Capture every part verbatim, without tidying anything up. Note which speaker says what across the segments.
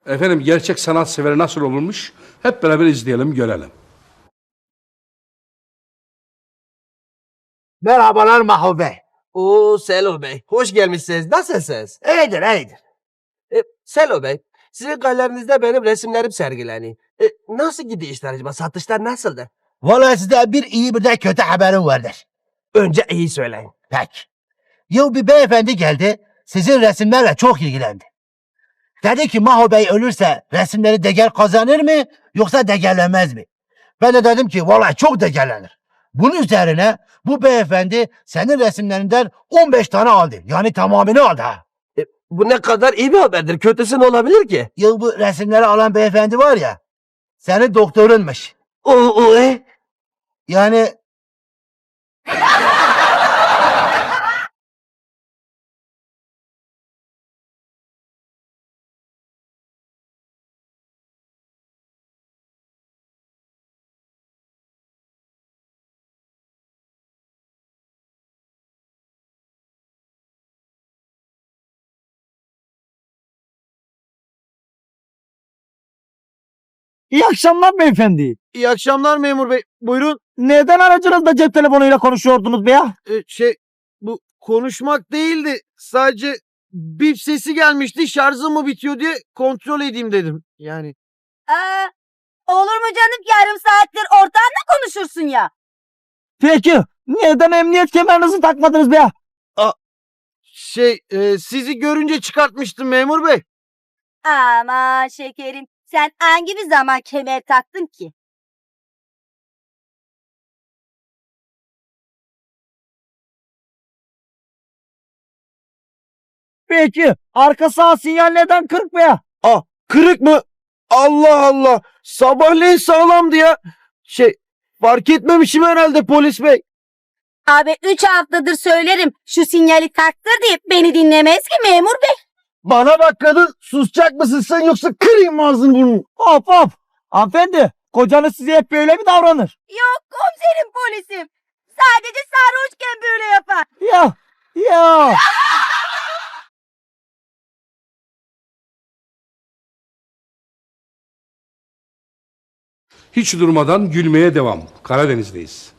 Speaker 1: Efendim gerçek sanat severi nasıl olurmuş? Hep beraber izleyelim, görelim.
Speaker 2: Merhabalar Maho Bey.
Speaker 3: Oo Selo Bey, hoş gelmişsiniz. Nasılsınız?
Speaker 2: İyidir, iyidir.
Speaker 3: E, Selo Bey, sizin galerinizde benim resimlerim sergileniyor. E, nasıl gidiyor işler acaba? Satışlar nasıldı?
Speaker 2: Vallahi size bir iyi bir de kötü haberim vardır.
Speaker 3: Önce iyi söyleyin.
Speaker 2: Peki. Yıl bir beyefendi geldi, sizin resimlerle çok ilgilendi. Dedi ki Maho Bey ölürse resimleri değer kazanır mı yoksa değerlenmez mi? Ben de dedim ki vallahi çok değerlenir. Bunun üzerine bu beyefendi senin resimlerinden on beş tane aldı. Yani tamamını aldı ha.
Speaker 3: E, bu ne kadar iyi bir haberdir. Kötüsü ne olabilir ki?
Speaker 2: Yıl bu resimleri alan beyefendi var ya, senin doktorunmuş.
Speaker 3: O, o e?
Speaker 2: Yani
Speaker 4: İyi akşamlar beyefendi.
Speaker 5: İyi akşamlar memur bey. Buyurun.
Speaker 4: Neden aracınızda cep telefonuyla konuşuyordunuz be ya?
Speaker 5: Ee, şey bu konuşmak değildi. Sadece bip sesi gelmişti. Şarjım mı bitiyor diye kontrol edeyim dedim. Yani
Speaker 6: Aa, olur mu canım, yarım saattir ortağınla konuşursun ya.
Speaker 4: Peki neden emniyet kemerinizi takmadınız be ya?
Speaker 5: şey e, sizi görünce çıkartmıştım memur bey.
Speaker 6: Aman şekerim, sen hangi bir zaman kemer taktın ki?
Speaker 4: Peki arka sağ sinyal neden kırık be ya?
Speaker 5: Ah, kırık mı? Allah Allah. Sabahleyin sağlamdı ya. Şey fark etmemişim herhalde polis bey.
Speaker 6: Abi üç haftadır söylerim şu sinyali taktır diye beni dinlemez ki memur bey.
Speaker 5: Bana bak kadın, susacak mısın sen yoksa kırayım ağzını burnunu.
Speaker 4: Hop hop. Hanımefendi kocanız size hep böyle mi davranır?
Speaker 6: Yok komiserim, polisim. Sadece sarhoşken böyle yapar.
Speaker 4: Ya ya.
Speaker 1: Hiç durmadan gülmeye devam. Karadeniz'deyiz.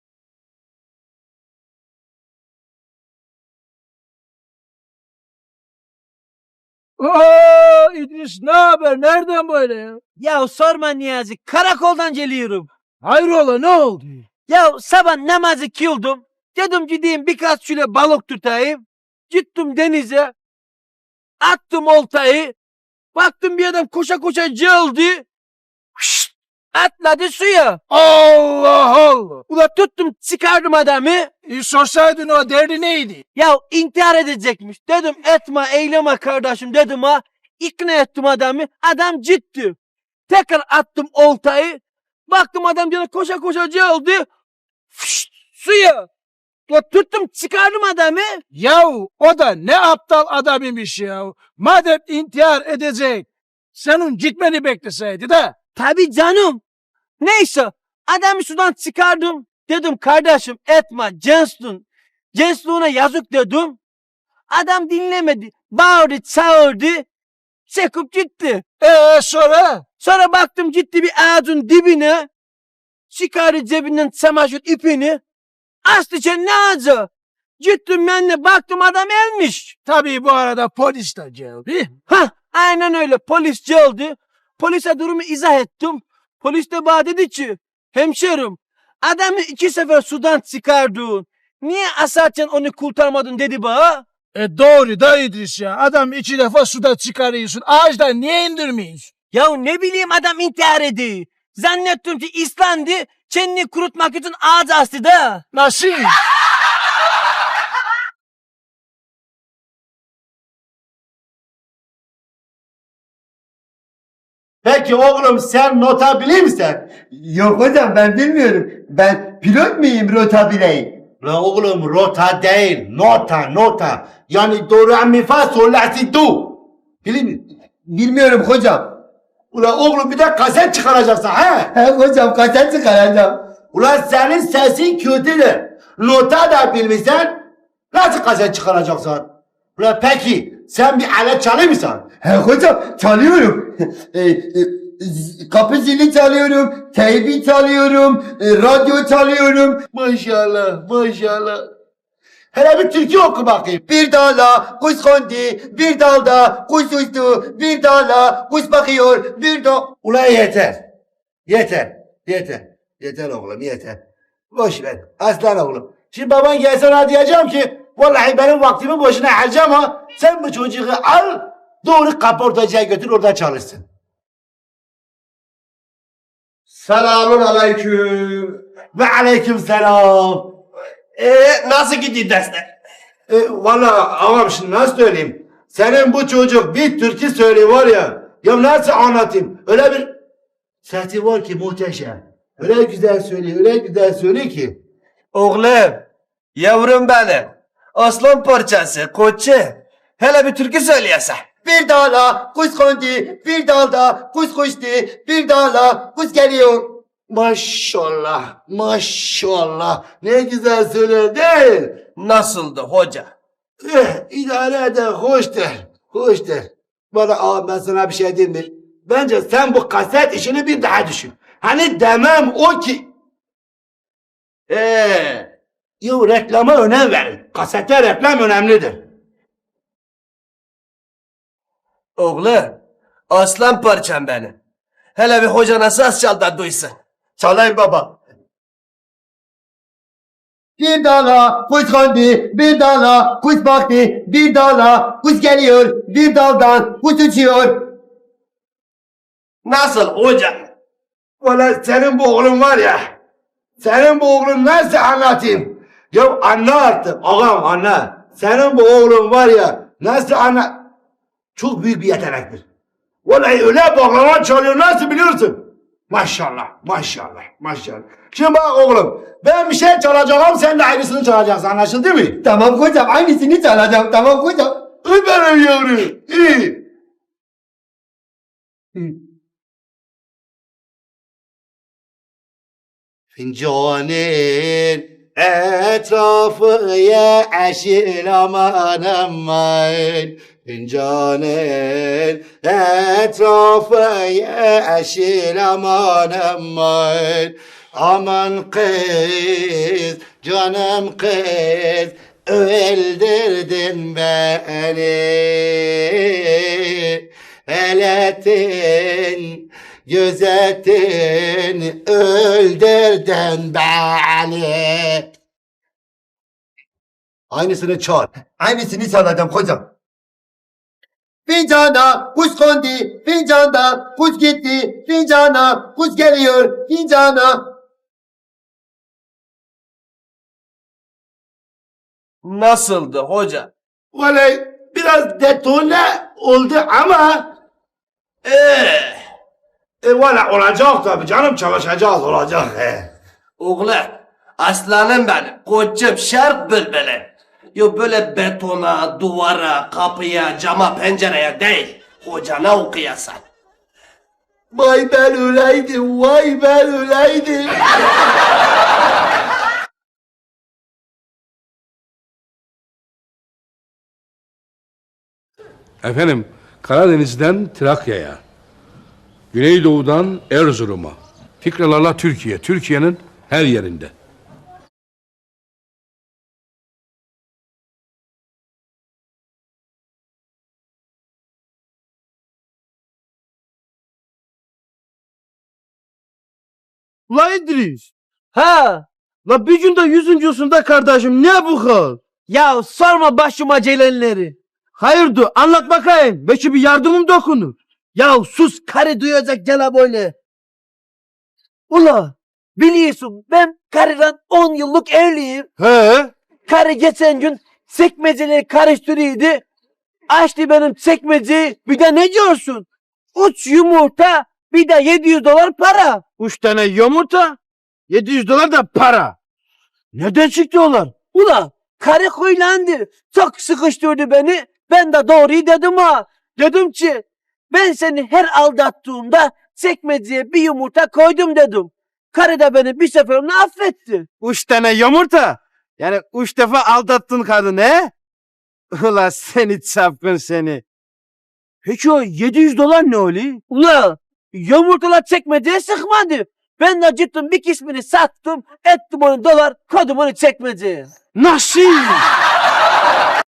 Speaker 4: Oo, İdris ne haber? Nereden böyle ya?
Speaker 7: Ya sorma Niyazi, karakoldan geliyorum.
Speaker 4: Hayrola ne oldu?
Speaker 7: Ya sabah namazı kıldım. Dedim gideyim birkaç şöyle balık tutayım. Gittim denize. Attım oltayı. Baktım bir adam koşa koşa geldi. Şşt, atladı suya.
Speaker 4: Allah Allah.
Speaker 7: Ula tuttum çıkardım adamı.
Speaker 4: E, sorsaydın o derdi neydi?
Speaker 7: Ya intihar edecekmiş. Dedim etme eyleme kardeşim dedim ha. İkna ettim adamı. Adam gitti. Tekrar attım oltayı. Baktım adam gene koşa koşa geldi. Fışt, suya. Ya tuttum çıkardım adamı.
Speaker 4: Yahu o da ne aptal adam imiş ya. Madem intihar edecek, senin gitmeni bekleseydi de.
Speaker 7: Tabii canım. Neyse adamı sudan çıkardım. Dedim kardeşim etme gençlüğün. Gençliğine yazık dedim. Adam dinlemedi. Bağırdı çağırdı. Çekip gitti.
Speaker 4: Ee sonra?
Speaker 7: Sonra baktım gitti bir ağacın dibine. Çıkardı cebinden çamaşır ipini. Astı kendine ağaca. Gittim ben de baktım adam ölmüş.
Speaker 4: Tabii bu arada polis de geldi.
Speaker 7: Hah aynen öyle polis geldi. Polise durumu izah ettim. Polis de bana dedi ki hemşerim adamı iki sefer sudan çıkardın. Niye asarken onu kurtarmadın dedi bana.
Speaker 4: E doğru da İdris ya. Adam iki defa suda çıkarıyorsun. Ağaçtan niye indirmiyorsun?
Speaker 7: Ya ne bileyim adam intihar ediyor. Zannettim ki İslam'dı. Kendini kurutmak için ağaç astı da.
Speaker 4: Nasıl?
Speaker 2: peki oğlum sen nota bilir misin?
Speaker 8: Yok hocam ben bilmiyorum. Ben pilot muyum rota bileyim?
Speaker 2: La oğlum rota değil, nota nota. Yani doğru mi fa sol la si do. Bilir mi?
Speaker 8: Bilmiyorum hocam.
Speaker 2: Ula oğlum bir de kaset çıkaracaksın ha?
Speaker 8: He hocam kaçak çıkaracağım.
Speaker 2: Ulan senin sesin kötüdür. Nota da bilmişsen nasıl kaset çıkaracaksın? Ulan peki
Speaker 9: Sen bir alet çalıyor musun?
Speaker 8: He hocam çalıyorum. E, e, z- kapı zili çalıyorum. Teybi çalıyorum. e, radyo çalıyorum.
Speaker 9: Maşallah maşallah. Hele bir türkü oku bakayım.
Speaker 8: Bir dala kuş kondu, bir dalda kuş uçtu, bir dala kuş bakıyor, bir da...
Speaker 9: Ulan yeter. Yeter. Yeter. Yeter oğlum yeter. Boş ver. Aslan oğlum. Şimdi baban gelse ona diyeceğim ki vallahi benim vaktimi boşuna harcama. Sen bu çocuğu al doğru kaportacıya götür orada çalışsın. Selamun aleyküm. Ve aleyküm selam. Eee nasıl gidiyor dersler? E, valla ağam şimdi nasıl söyleyeyim? Senin bu çocuk bir türkü söylüyor var ya. Ya nasıl anlatayım? Öyle bir sesi var ki muhteşem. Öyle güzel söylüyor, öyle güzel söylüyor ki.
Speaker 3: Oğlum, yavrum benim. Aslan parçası, koçu. Hele bir türkü söyleyese.
Speaker 8: Bir dala kuş kondu, bir dalda kuş uçtu, bir dala kuş geliyor.
Speaker 9: Maşallah, maşallah. Ne güzel söylüyor değil.
Speaker 3: Nasıldı hoca?
Speaker 9: Eh, idare eder, hoş der, hoş der. Bana ağam ben sana bir şey diyeyim mi? Bence sen bu kaset işini bir daha düşün. Hani demem o ki... Eee... Yo reklama önem verin. Kasette reklam önemlidir.
Speaker 3: Oğlum, aslan parçam benim. Hele bir hoca nasıl az çal da duysun.
Speaker 9: Çalayım baba.
Speaker 8: Bir dala kuş kondu, bir dala kuş baktı, bir dala kuş geliyor, bir daldan kuş uçuyor.
Speaker 3: Nasıl hoca?
Speaker 9: Valla senin bu oğlun var ya. Senin bu oğlun nasıl anlatayım? Ya anla artık. Ağam anla. Senin bu oğlun var ya. Nasıl anla... Çok büyük bir yetenektir. Vallahi öyle baklava çalıyor nasıl biliyorsun? Maşallah, maşallah, maşallah. Şimdi bak oğlum, ben bir şey çalacağım, sen de aynısını çalacaksın, anlaşıldı mı?
Speaker 8: Tamam hocam aynısını çalacağım, tamam hocam.
Speaker 9: Ay benim yavrum, iyi. Fincanın etrafı yeşil aman aman. Fincanın etrafı yeşil aman aman. Aman kız, canım kız, öldürdün beni. Eletin, gözetin, öldürdün beni. Aynısını çal.
Speaker 8: Aynısını çalacağım hocam. Fincana kuş kondu, fincanda kuş gitti, fincana kuş geliyor, fincana.
Speaker 3: Nasıldı hoca?
Speaker 9: Vallahi biraz detone oldu ama eee e, valla olacak tabii canım çalışacağız olacak. He.
Speaker 3: Oğlum, aslanım benim, koçum şark bülbülü. Yo böyle betona, duvara, kapıya, cama, pencereye değil. Hocana okuyasan.
Speaker 9: Vay ben öyleydim, vay ben öyleydim.
Speaker 1: Efendim Karadeniz'den Trakya'ya, Güneydoğu'dan Erzurum'a, fikralarla Türkiye, Türkiye'nin her yerinde.
Speaker 5: La İdris.
Speaker 7: Ha,
Speaker 5: La bir günde yüzüncüsünde kardeşim ne bu hal?
Speaker 7: ya sorma başıma gelenleri.
Speaker 5: Hayırdır anlat bakayım. Belki bir yardımım dokunur.
Speaker 7: Ya sus karı duyacak gene böyle. Ula biliyorsun ben karıdan on yıllık evliyim.
Speaker 5: He?
Speaker 7: Karı geçen gün sekmeceleri karıştırıyordu. Açtı benim sekmeceyi. Bir de ne diyorsun? Üç yumurta bir de yedi yüz dolar para.
Speaker 5: Üç tane yumurta. Yedi yüz dolar da para. Neden çıktı onlar?
Speaker 7: Ula karı huylandı. Çok sıkıştırdı beni. Ben de doğruyu dedim ha. Dedim ki ben seni her aldattığımda sekmeceye bir yumurta koydum dedim. Karı da beni bir seferinde affetti.
Speaker 5: Üç tane yumurta. Yani üç defa aldattın kadını he? Ula seni çapkın seni. Peki o yedi yüz dolar ne oluyor?
Speaker 7: Ula yumurtalar çekmeceye sıkmadı. Ben de gittim bir kısmını sattım. Ettim onu dolar koydum onu çekmeceye.
Speaker 5: Nasıl?